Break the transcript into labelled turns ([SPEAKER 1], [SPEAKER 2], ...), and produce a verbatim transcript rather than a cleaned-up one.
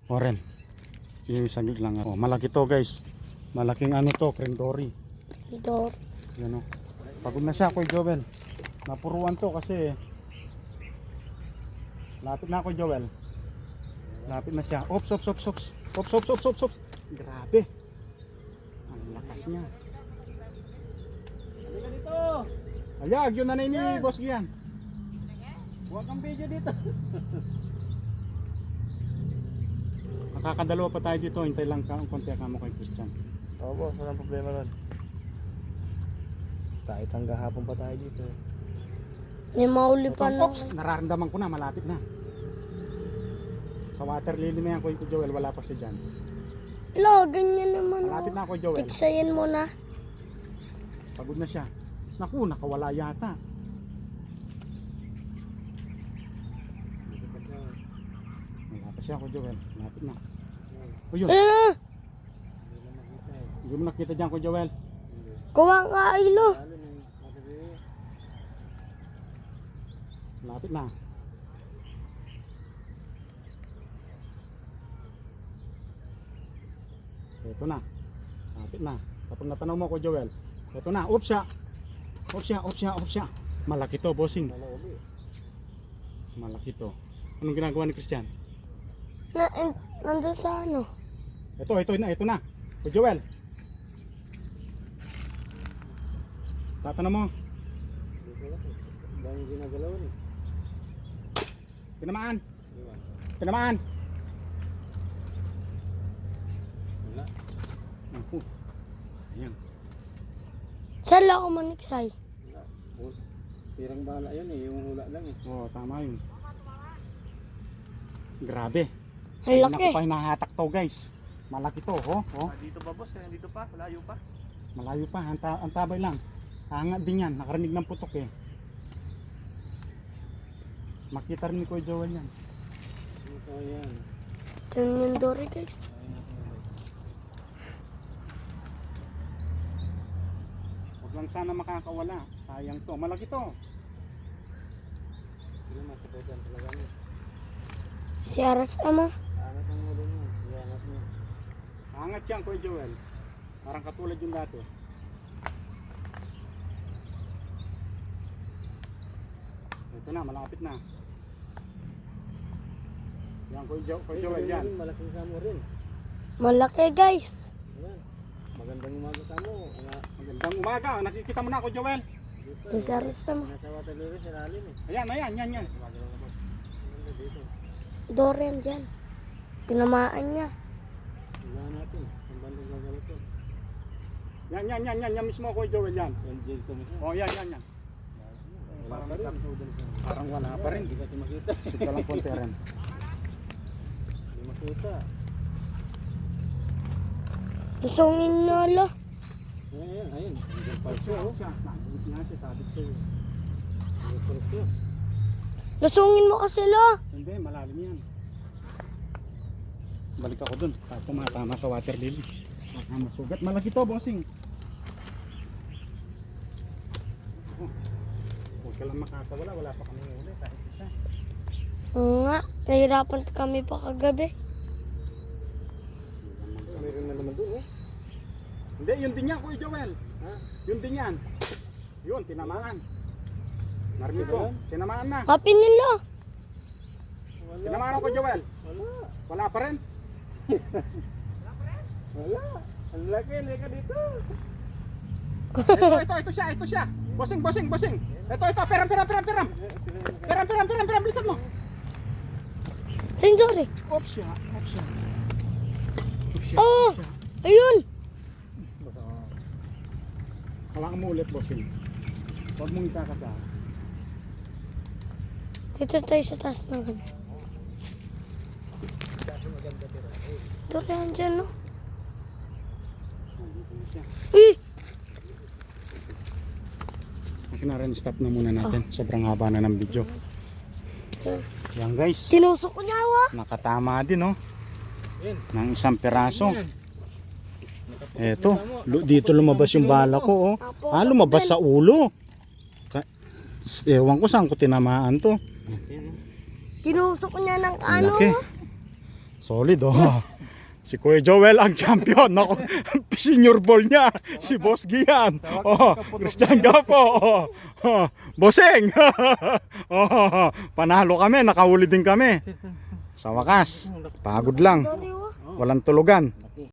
[SPEAKER 1] Oren. Yung saglit lang. Oh, malaki to guys. Malaking ano to, Crendori.
[SPEAKER 2] Ito.
[SPEAKER 1] Yan o. Pagod na siya, Kuya Joel. Napuruan to kasi lapit na, Kuya Joel. Lapit na siya. Ops, ops, ops, ops. Ops, ops, ops, ops, ops. Grabe. Ang lakas niya.
[SPEAKER 3] Halika dito.
[SPEAKER 1] Ayag, yun na na ni Boss Gian.
[SPEAKER 3] Huwag kang video dito.
[SPEAKER 1] Nakakadalawa pa tayo dito. Hintay lang ka, konti ka mo kay Christian.
[SPEAKER 3] Oo boss, walang problema ron. Kahit hanggang hapon pa tayo dito.
[SPEAKER 2] May mahuli pa na.
[SPEAKER 1] Ops, nararamdaman ko na, malapit na. Sa water lily na yan, Kuya Joel, wala pa siya dyan.
[SPEAKER 2] Ila, ganyan naman.
[SPEAKER 1] Malapit na,
[SPEAKER 2] Oh.
[SPEAKER 1] Kuya Joel.
[SPEAKER 2] Tiksayin mo na.
[SPEAKER 1] Pagod na siya. Naku, nakawala yata. Wala pa siya, Kuya Joel. Malapit na. O yun,
[SPEAKER 2] Ah,
[SPEAKER 1] hindi mo nakita dyan, Kuya Joel.
[SPEAKER 2] kuha ka ilo.
[SPEAKER 1] Malapit na. Ito na. Malapit na. Kapag natanaw mo, Kuya Joel. Ito na. Oops siya. Oops siya, oops siya, oops siya. Malaki to, bossing. Malaki to. Anong ginagawa ni Christian?
[SPEAKER 2] Na, eh, nandun sa ano?
[SPEAKER 1] Ito, ito na, ito na. Kuya Joel. Tatanaw mo.
[SPEAKER 3] Dahil ginagalaw eh.
[SPEAKER 1] Tinamaan. Tinamaan.
[SPEAKER 3] Wala.
[SPEAKER 1] Ako. Ayan.
[SPEAKER 2] Saan lang ako maniksay?
[SPEAKER 3] Wala. Tirang bala yan eh, yung hula lang eh.
[SPEAKER 1] Oo, tama yun. Grabe.
[SPEAKER 2] Ang
[SPEAKER 1] Hindi
[SPEAKER 2] laki.
[SPEAKER 1] na ko pa hinahatak to, guys. Malaki to, oh. oh.
[SPEAKER 3] Ah, dito ba boss? Eh, dito pa? Malayo pa?
[SPEAKER 1] Malayo pa, ang, ta ang tabay lang. Hangat din yan, nakarinig ng putok eh. Makita rin ni Kuya Joel yan.
[SPEAKER 3] Dito yan.
[SPEAKER 2] Ito yung dory guys.
[SPEAKER 1] Huwag lang sana makakawala. Sayang to. Malaki to.
[SPEAKER 3] Sila masakotan talaga mo.
[SPEAKER 2] Si Aras ama.
[SPEAKER 3] Angat ang ulo mo. Iangat mo.
[SPEAKER 1] Hangat yan, Kuya Joel. Parang katulad yung dati. Ito na, malapit na. Yan, Kuya, jo Kuya Joel, yan.
[SPEAKER 3] Malaking samo rin.
[SPEAKER 2] Malaki guys.
[SPEAKER 3] Ayan. Magandang umaga sa mo. Nga,
[SPEAKER 1] Magandang umaga. Nakikita mo na, Kuya Joel.
[SPEAKER 3] dito.
[SPEAKER 2] Si Aras ama.
[SPEAKER 3] Nasa water lily sa lalim eh.
[SPEAKER 1] Ayan, ayan, yan, yan.
[SPEAKER 3] Magandang na boss. Maganda dito.
[SPEAKER 2] Dory yan dyan. Tinamaan niya.
[SPEAKER 3] Tignan natin. Ang bandang gagawin to.
[SPEAKER 1] Yan, yan, yan, yan, yan mismo, Kuya Joel, yan.
[SPEAKER 3] Yan dito mismo.
[SPEAKER 1] Oh, yan, yan, yan.
[SPEAKER 3] Wala pa rin.
[SPEAKER 1] Parang wala pa rin.
[SPEAKER 3] Hindi kasi makita.
[SPEAKER 1] Sika lang konti rin.
[SPEAKER 3] Hindi makita.
[SPEAKER 2] Lusungin na lo.
[SPEAKER 3] Ayan, ayan, ayan. Hanggang pa siya, oh.
[SPEAKER 1] Siya, nandun siya, siya, sabi ko sa'yo.
[SPEAKER 3] Hanggang pa siya.
[SPEAKER 2] Lusungin mo kasi lo.
[SPEAKER 1] Hindi, malalim yan. Balik ako dun. Tapos tumatama sa water lily. Baka masugat. Malaki to, bossing. Oh. Huwag ka lang makakawala. Wala pa kami huli. Kahit isa.
[SPEAKER 2] Oo nga. Nahirapan kami pa kagabi.
[SPEAKER 3] Meron na naman doon, oh.
[SPEAKER 1] Hindi, yun din yan, Kuya Joel.
[SPEAKER 3] Ha?
[SPEAKER 1] Yun din yan. Yun, tinamaan. Narinig ko. Tinamaan na.
[SPEAKER 2] Happy nilo.
[SPEAKER 3] Wala.
[SPEAKER 1] Tinamaan ako, Kuya Joel.
[SPEAKER 3] Wala.
[SPEAKER 1] Wala pa rin.
[SPEAKER 3] Wala. Ang laki, leka dito.
[SPEAKER 1] Ito, ito, ito siya, ito siya. Bossing, bossing, bossing. Ito, ito, peram, peram, peram, peram. Peram, peram, peram, peram. Bilisan mo.
[SPEAKER 2] Saan dory?
[SPEAKER 1] Oops siya, oops siya. Oops siya,
[SPEAKER 2] Oh!
[SPEAKER 1] oops siya.
[SPEAKER 2] Ayun.
[SPEAKER 1] Hawakan mo ulit, bossing. Huwag mong ikakasa.
[SPEAKER 2] Dito tayo sa taas ng ano. Dory yan dyan no.
[SPEAKER 1] Nandito na siya.
[SPEAKER 2] Eh!
[SPEAKER 1] Akin na rin, stop na muna natin. Sobrang haba na ng video. Yan guys.
[SPEAKER 2] Sinusok ko niya wa.
[SPEAKER 1] Nakatama din, oh.
[SPEAKER 3] Yan.
[SPEAKER 1] Ng isang peraso. Eto, lu- dito lumabas yung bala ko, oh. Ah, lumabas sa ulo. Ka- Ewan ko saan ko tinamaan to.
[SPEAKER 2] Tinusok ko niya ng
[SPEAKER 1] Ang
[SPEAKER 2] ano.
[SPEAKER 1] laki. Solid oh. Si Kuya Joel ang champion. Nako, senior ball niya. Si Boss Gian. Oh, Christian Gapo. Oh, oh, Bosseng. Oh, panalo kami, nakahuli din kami. Sa wakas, pagod lang. Walang tulugan.